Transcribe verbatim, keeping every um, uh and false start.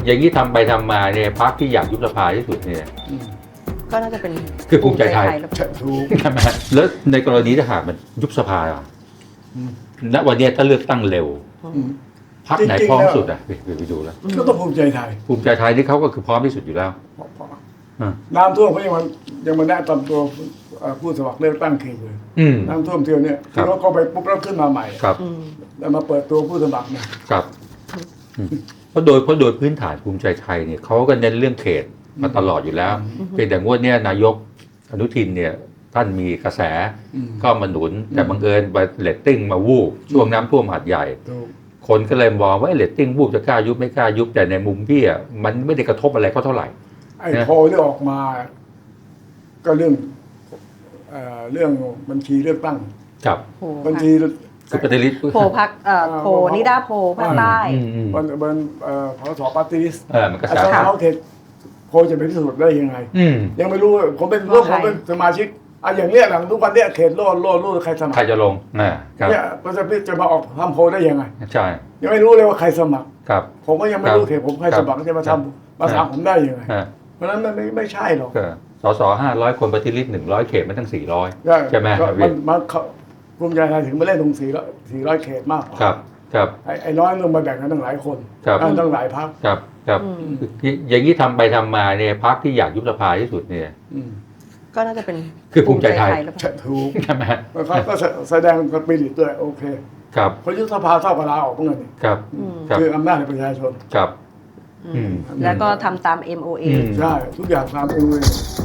อย่างนี้ทำไปทำมาเนี่ยพรรคที่อยากยุบสภาที่สุดเนี่ยก็น่าจะเป็นคือภูมิใจไทยถูกใช่ไหมแล้วในกรณีถ้าหากมันยุบสภาอ่ะณวันนี้ถ้าเลือกตั้งเร็วพรรคไหนพร้อมสุดอ่ะไปไปดูแล้วก็ต้องภูมิใจไทยภูมิใจไทยนี่เขาก็คือพร้อมที่สุดอยู่แล้วน้ำท่วมเขายังมันยังมาแนะนำตัวผู้สมัครเลือกตั้งเขตเลยน้ำท่วมเที่ยวเนี่ยที่เขาเข้าไปปุ๊บแล้วขึ้นมาใหม่ครับแล้วมาเปิดตัวผู้สมัครเนี่ยครับเพราะโดยเพราะโดยพื้นฐานภูมิใจไทยเนี่ยเขาก็เน้นเรื่องเขตมาตลอดอยู่แล้วเพียงแต่งวดเนี้ยนายกอนุทินเนี่ยท่านมีกระแสก็มาหนุนแต่บังเอิญเรตติ้งมาวูบช่วงน้ำท่วมหาดใหญ่คนก็เลยมองว่าเรตติ้งวูบจะกล้ายุบไม่กล้ายุบแต่ในมุมพี่อ่ะมันไม่ได้กระทบอะไรเขาเท่าไหร่ไอ้โพลที่ออกมา ก็เรื่องเอ่อเรื่องบัญชีเลือกตั้งครับบัญชีคือปฏิริษีโพพักเอ่อโพนิดาโพภาคใต้บัญบัญเอ่อพสปาร์ตี้ลิสต์เออมันกระแสสเขาเขตโพลจะเป็นที่สุดได้ยังไงอืมยังไม่รู้ผมเป็นร่วมผมเป็นสมาชิกอ่ะอย่างเนี้ยหลังทุกวันเนี้ยเขตโลดโลดโลดใครสมัคใครรจะลงนะครับเนี่ยมันจะจะมาออกทำโพลได้ยังไงใช่ยังไม่รู้เลยว่าใครสมัครครับผมก็ยังไม่รู้เขตผมใครสมัครจะมาทำมาถามผมได้ยังไงอ่าเพราะฉะนั้นมันไม่ไม่ใช่หรอกก็สสห้าร้อยคนปฏิริษีหนึ่งร้อยเขตมันตั้งสี่ร้อยใช่ไหมก็มันมันเขาภูมิใจไทยถึงมาเล่นตรงสี่ร้อยสี่ร้อยเขตมากกว่าครับครับไอ้ไอ้น้อยลงมาแบ่งกันตั้งหลายคนครับตั้งหลายพรรคครับครับอย่างนี้ทำไปทำมาเนี่ยพรรคที่อยากยุบสภาที่สุดเนี่ยก็น่าจะเป็นคือภูมิใจไทยหรือเปล่าถูกใช่ไหมแล้วเขาก็แสดงสปิริตด้วยโอเคครับเพราะยุบสภาเท่ากับลาออกเหมือนกันนี่ครับครับคืออำนาจในประชาชนครับแล้วก็ทำตาม เอ็ม โอ เออืมใช่ทุกอย่างตามเองเลย